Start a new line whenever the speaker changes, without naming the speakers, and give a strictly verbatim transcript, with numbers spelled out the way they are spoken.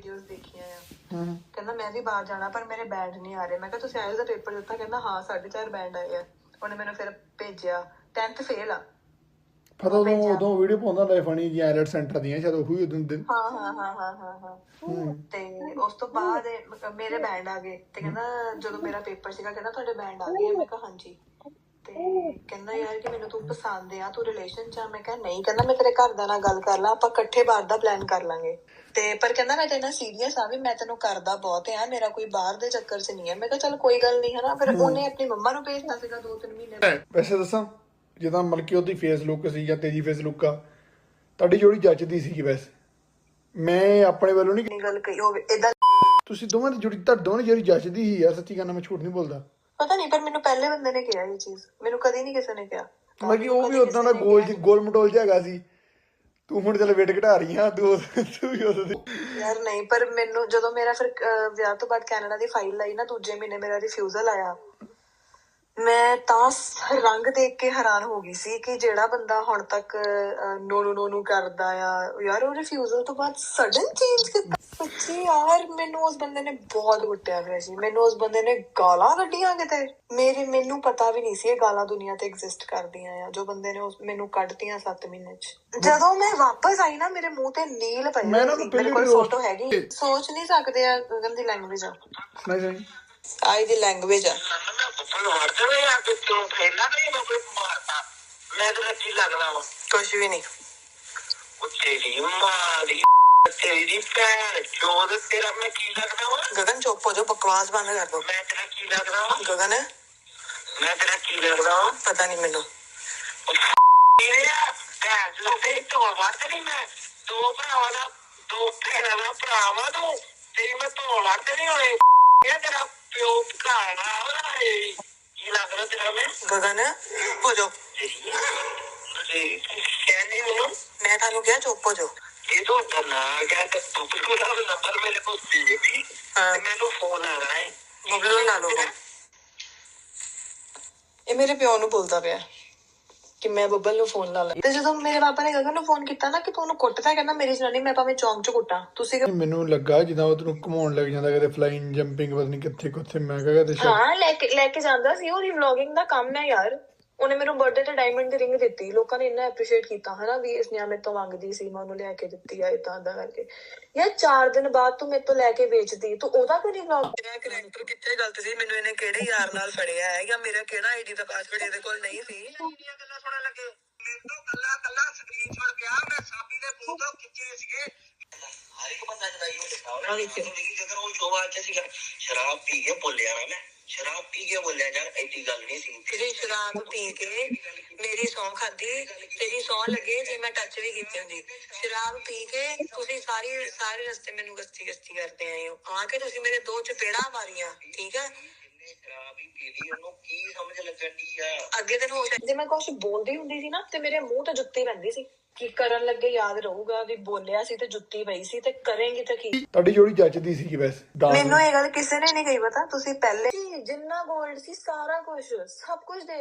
Videos ਦੇਖੀਆਂ ਆ। ਕਹਿੰਦਾ ਮੈਂ ਵੀ ਬਾਹਰ ਜਾਣਾ ਪਰ ਮੇਰੇ ਬੈਂਡ ਨਹੀਂ ਆ ਰਹੇ। ਮੈਂ ਕਿਹਾ ਤੁਸੀਂ ਆਇਲਸ ਦਾ ਪੇਪਰ ਦਿੱਤਾ? ਕਹਿੰਦਾ ਹਾਂ ਸਾਢੇ ਚਾਰ ਬੈਂਡ ਆਏ ਆ। ਉਹਨੇ ਮੈਨੂੰ ਫਿਰ ਭੇਜਿਆ। ਟੈਂਥ ਫੇਲ ਆ।
ਪਤਾ ਉਦੋਂ ਉਦੋਂ ਵੀਡੀਓ ਪਾਉਂਦਾ ਹੁੰਦਾ ਫਨੀ ਜੀ ਆਇਲਟ ਸੈਂਟਰ ਦੀਆਂ ਸ਼ਾਇਦ ਉਹੀ ਉਦੋਂ ਦਿਨ।
ਹਾਂ ਹਾਂ ਹਾਂ ਹਾਂ ਹਾਂ ਹਾਂ ਤੇ ਉਸ ਤੋਂ ਬਾਅਦ ਮੇਰੇ ਬੈਂਡ ਆ ਗਏ ਤੇ ਕਹਿੰਦਾ ਜਦੋਂ ਮੇਰਾ ਪੇਪਰ ਸੀਗਾ ਕਹਿੰਦਾ ਤੁਹਾਡੇ ਬੈਂਡ ਆ ਗਏ? ਮੈਂ ਕਿਹਾ ਹਾਂਜੀ। ਤੇ ਕਹਿੰਦਾ ਯਾਰ ਕਿ ਮੈਨੂੰ ਤੂੰ ਪਸੰਦ ਆ, ਤੂੰ ਰਿਲੇਸ਼ਨ ਚ ਆ? ਮੈਂ ਕਿਹਾ ਨਹੀਂ। ਕਹਿੰਦਾ ਮੈਂ ਤੇਰੇ ਘਰਦਿਆਂ ਨਾਲ ਗੱਲ ਕਰ ਲਾਂ, ਆਪਾਂ ਇਕੱਠੇ ਬਾਹਰ ਦਾ ਪਲਾਨ ਕਰ ਲਾਂਗੇ। ਤੇ ਪਰ ਕਹਿੰਦਾ ਮੈਂ ਤੇਰੇ ਨਾਲ ਸੀਰੀਅਸ ਆ ਵੀ ਮੈਂ ਤੈਨੂੰ ਕਰਦਾ ਬਹੁਤ ਆ, ਮੇਰਾ ਕੋਈ ਬਾਹਰ ਦੇ ਚੱਕਰ ਚ ਨਹੀਂ ਹੈ। ਮੈਂ ਕਿਹਾ ਚੱਲ ਕੋਈ ਗੱਲ ਨਹੀਂ ਹਨਾ। ਫਿਰ ਉਹਨੇ ਆਪਣੀ ਮੰਮਾ ਨੂੰ ਭੇਜਤਾ ਸੀਗਾ ਦੋ ਤਿੰਨ ਮਹੀਨੇ।
ਵੈਸੇ ਦੱਸਾਂ ਜਿੱਦਾਂ ਮਤਲਬ ਕਿ ਉਹਦੀ ਫੇਸ ਲੁੱਕ ਸੀ ਜਾਂ ਤੇਰੀ ਫੇਸ ਲੁੱਕ ਆ, ਤੁਹਾਡੀ ਜੋੜੀ ਜੱਚਦੀ ਸੀਗੀ। ਵੈਸੇ ਮੈਂ ਆਪਣੇ ਵੱਲੋਂ ਨਹੀਂ
ਗੱਲ ਕਹੀ ਹੋਵੇ ਏਦਾਂ।
ਤੁਸੀਂ ਦੋਵਾਂ ਦੀ ਜੋੜੀ ਤਾਂ ਦੋਵਾਂ ਦੀ ਜੋੜੀ ਜੱਚਦੀ ਹੀ ਯਾਰ, ਸੱਚੀ ਗੱਲ ਮੈਂ ਝੂਠ ਨਹੀਂ ਬੋਲਦਾ।
ਪਤਾ ਨਹੀਂ ਪਰ ਮੈਨੂੰ ਪਹਿਲੇ ਬੰਦੇ ਨੇ ਕਿਹਾ ਇਹ ਚੀਜ਼, ਮੈਨੂੰ ਕਦੇ ਨਹੀਂ ਕਿਸੇ ਨੇ ਕਿਹਾ।
ਮੈਂ ਕਿ ਉਹ ਵੀ ਉਦਾਂ ਦਾ ਗੋਲ ਗੋਲ ਮਟੋਲ ਜਿਹਾ ਹੈਗਾ ਸੀ। ਤੂੰ ਹੁਣ ਚੱਲ ਵੇਟ ਘਟਾ ਰਹੀ ਆ ਤੂੰ ਤੂੰ ਵੀ ਉਹਦੇ
ਯਾਰ ਨਹੀਂ। ਪਰ ਮੈਨੂੰ ਜਦੋਂ ਮੇਰਾ ਫਿਰ ਵਿਆਹ ਤੋਂ ਬਾਅਦ ਕੈਨੇਡਾ ਦੀ ਫਾਈਲ ਆਈ ਨਾ, ਦੂਜੇ ਮਹੀਨੇ ਮੇਰਾ ਰਿਫਿਊਜ਼ਲ ਆਇਆ। ਮੈਂ ਤਾਂ ਰੰਗ ਦੇਖ ਕੇ ਹੈਰਾਨ ਹੋ ਗਈ ਸੀ ਕਿ ਜਿਹੜਾ ਬੰਦਾ ਹੁਣ ਤੱਕ ਨੋ ਨੂੰ ਨੋ ਨੂੰ ਕਰਦਾ ਆ ਯਾਰ, ਉਹ ਰਿਫਿਊਜ਼ਲ ਤੋਂ ਬਾਅਦ ਸਡਨ ਚੇਂਜ ਕੀਤਾ। ਸੱਚੀ ਯਾਰ ਮੈਨੂੰ ਉਸ ਬੰਦੇ ਨੇ ਬਹੁਤ ਕੁੱਟਿਆ ਹੋਇਆ ਸੀ। ਮੈਨੂੰ ਉਸ ਬੰਦੇ ਨੇ ਗਾਲਾਂ ਕੱਢੀਆਂ ਕਿਤੇ। ਮੇਰੇ ਮੈਨੂੰ ਪਤਾ ਵੀ ਨਹੀਂ ਸੀ ਇਹ ਗਾਲਾਂ ਦੁਨੀਆ ਤੇ ਐਗਜ਼ਿਸਟ ਕਰਦੀਆਂ ਆ, ਜੋ ਬੰਦੇ ਨੇ ਉਸ ਮੈਨੂੰ ਕੱਢਤੀਆਂ ਸੱਤ ਮਹੀਨੇ ਚ। ਜਦੋਂ ਮੈਂ ਵਾਪਸ ਆਈ ਨਾ ਮੇਰੇ ਮੂੰਹ ਤੇ ਨੀਲ ਪਈ। ਮੇਰੇ ਕੋਲ ਫੋਟੋ ਹੈਗੀ। ਸੋਚ ਨਹੀਂ ਸਕਦੇ ਆ ਗਗਨ ਦੀ ਲੈਂਗੁਏਜ ਆ। ਆਈ ਦੀ ਲੈਂਗੁਏਜ ਆ। ਕੁਛ ਵੀ ਨਹੀਂ। ਗਗਨ ਚੁੱਪ ਹੋ ਜਾਓ, ਬਕਵਾਸ ਬੰਦ ਕਰ ਦੋ। ਮੈਂ ਤੇਰਾ ਕੀ ਲੱਗਦਾ ਵਾ? ਗਗਨ ਮੈਂ ਤੇਰਾ ਕੀ ਲੱਗਦਾ ਵਾ? ਪਤਾ ਨਹੀਂ ਮੈਨੂੰ। ਢੋਲ ਵੜਦੇ ਨੀ ਮੈਂ ਦੋ ਭਰਾਵਾਂ ਦਾ ਦੋ ਭੈਣਾਂ ਦਾ ਭਰਾ ਵਾ ਤੂੰ। ਤੇਰੀ ਮੈਂ ਢੋਲ ਵੜਦੇ ਨੀ ਹੋਣੇ। ਤੇਰਾ ਪਿਓ ਭਕਾਣਾ ਕੀ ਲੱਗਦਾ ਤੇਰਾ? ਮੈਂ ਗਗਨ ਹੋ ਜਾਓ। ਕਹਿੰਦੀ ਮੈਨੂੰ ਮੈਂ ਤੁਹਾਨੂੰ ਕਿਹਾ ਚੁੱਪ ਹੋ ਜਾਓ। ਇਹ ਤੋਂ ਨਾ ਕਹਿ ਤੂੰ ਬਿਲਕੁਲ ਨੰਬਰ ਮੇਰੇ ਕੋਲ ਸੀ ਜੀ। ਮੈਨੂੰ ਫੋਨ ਆ ਰਿਹਾ ਹੈ ਬਬਲੂ ਲਾ ਲਓ। ਇਹ ਮੇਰੇ ਪਿਓ ਨੂੰ ਬੋਲਦਾ ਪਿਆ ਕਿ ਮੈਂ ਬੱਬਲ ਨੂੰ ਫੋਨ ਲਾ ਲਾ। ਤੇ ਜਦੋਂ ਮੇਰੇ ਪਾਪਾ ਨੇ ਗਗਨ ਨੂੰ ਫੋਨ ਕੀਤਾ ਨਾ ਕਿ ਤੂੰ ਉਹਨੂੰ ਕੁੱਟਦਾ, ਕਹਿੰਦਾ ਮੇਰੀ ਜਨਾਨੀ ਮੈਂ ਭਾਵੇਂ ਚੌਂਕ ਚ ਕੁੱਟਾਂ। ਤੁਸੀਂ
ਮੈਨੂੰ ਲੱਗਾ ਜਿੱਦਾਂ ਉਹ ਤੈਨੂੰ ਘੁਮਾਉਣ ਲੱਗ ਜਾਂਦਾ ਕਦੇ ਫਲਾਈਂਗ ਜੰਪਿੰਗ ਪਤਾ ਨਹੀਂ ਕਿੱਥੇ ਕਿੱਥੇ। ਮੈਂ ਕਿਹਾ ਤੇ
ਹਾਂ ਲੈ ਕੇ ਲੈ ਕੇ ਜਾਂਦਾ ਸੀ। ਉਹਦੀ ਵਲੌਗਿੰਗ ਦਾ ਕੰਮ ਹੈ ਯਾਰ। ਉਹਨੇ ਮੈਨੂੰ ਬਰਥਡੇ ਤੇ ਡਾਇਮੰਡ ਦੀ ਰਿੰਗ ਦਿੱਤੀ। ਲੋਕਾਂ ਨੇ ਇੰਨਾ ਐਪਰੀਸ਼ੀਏਟ ਕੀਤਾ ਹਨਾ ਵੀ ਇਸ ਨੇ ਮੇਰੇ ਤੋਂ ਮੰਗਦੀ ਸੀ, ਮੈਂ ਉਹਨੂੰ ਲੈ ਕੇ ਦਿੱਤੀ ਆ ਏਦਾਂ ਏਦਾਂ ਕਰਕੇ। ਯਾਰ ਚਾਰ ਦਿਨ ਬਾਅਦ ਤੂੰ ਮੇਰੇ ਤੋਂ ਲੈ ਕੇ ਵੇਚਦੀ, ਤੂੰ ਉਹਦਾ ਕੋਈ ਨਹੀਂ ਵਲੌਗ। ਮੇਰਾ ਕਰੈਕਟਰ ਕਿੱਥੇ ਗਲਤ ਸੀ? ਮੈਨੂੰ ਇਹਨੇ ਕਿਹੜੇ ਯਾਰ ਨਾਲ ਫੜਿਆ ਹੈ ਜਾਂ ਮੇਰਾ ਕਿਹੜਾ ਆਈਡੀ ਦਾ ਪਾਸਵਰਡ ਇਹਦੇ ਕੋਲ ਨਹੀਂ ਸੀ? ਗੱਲਾਂ ਸੁਣਨ ਲੱਗੇ ਮੇਰੇ ਤੋਂ ਕੱਲਾ ਕੱਲਾ ਸਕਰੀਨਸ਼ਾਟ ਪਿਆ। ਮੈਂ ਸਾਬੀ ਦੇ ਫੋਨ ਤੋਂ ਖਿੱਚੇ ਸੀਗੇ। ਹਰ ਇੱਕ ਬੰਦਾ ਜਦਾਈ ਉਹ ਜੇਕਰ ਉਹ ਸ਼ੋਭਾ ਚ ਸੀਗਾ ਸ਼ਰਾਬ ਪੀ ਕੇ ਬੋਲਿਆ ਨਾ। ਮੈਂ ਸ਼ਰਾਬ ਪੀ ਕੇ ਬੋਲਿਆ ਯਾਰ ਐਡੀ ਗੱਲ ਨਹੀਂ ਸੀ। ਤੁਸੀਂ ਸ਼ਰਾਬ ਪੀ ਕੇ ਮੇਰੀ ਸਹੁੰ ਖਾਧੀ, ਤੇਰੀ ਸਹੁੰ ਲੱਗੇ ਜੇ ਮੈਂ ਟੱਚ ਵੀ ਕੀਤੀ ਹੁੰਦੀ। ਸ਼ਰਾਬ ਪੀ ਕੇ ਤੁਸੀਂ ਸਾਰੀ ਸਾਰੇ ਰਸਤੇ ਮੈਨੂੰ ਗਸਤੀ ਗਸਤੀ ਕਰਦੇ ਆਏ ਹੋ। ਆ ਕੇ ਤੁਸੀਂ ਮੇਰੇ ਦੋ ਚਪੇੜਾਂ ਮਾਰੀਆਂ। ਠੀਕ ਹੈ ਸ਼ਰਾਬ ਹੀ ਪੀ ਲਈ, ਉਹਨੂੰ ਕੀ ਸਮਝ ਲੱਗਣ ਦੀ ਆ? ਅੱਗੇ ਦਿਨ ਹੋ ਜੇ ਮੈਂ ਕੁਛ ਬੋਲਦੀ ਹੁੰਦੀ ਸੀ ਨਾ ਤੇ ਮੇਰੇ ਮੂੰਹ ਤੇ ਜੁੱਤੀ ਪੈਂਦੀ ਸੀ ਕਿ ਕਰਨ ਲੱਗੇ ਯਾਦ ਰਹੂਗਾ ਵੀ ਬੋਲਿਆ ਸੀ ਤੇ ਜੁੱਤੀ ਪਈ ਸੀ ਤੇ ਕਰੇਂਗੀ ਤੇ ਕੀ।
ਤੁਹਾਡੀ ਜੋੜੀ ਜੱਚਦੀ ਸੀਗੀ ਵੈਸੇ।
ਮੈਨੂੰ ਇਹ ਗੱਲ ਕਿਸੇ ਨੇ ਨਹੀਂ ਕਹੀ। ਪਤਾ ਤੁਸੀਂ ਪਹਿਲੇ ਜਿੰਨਾ ਗੋਲਡ ਸੀ ਸਾਰਾ ਕੁਝ ਸਭ ਕੁਝ ਦੇ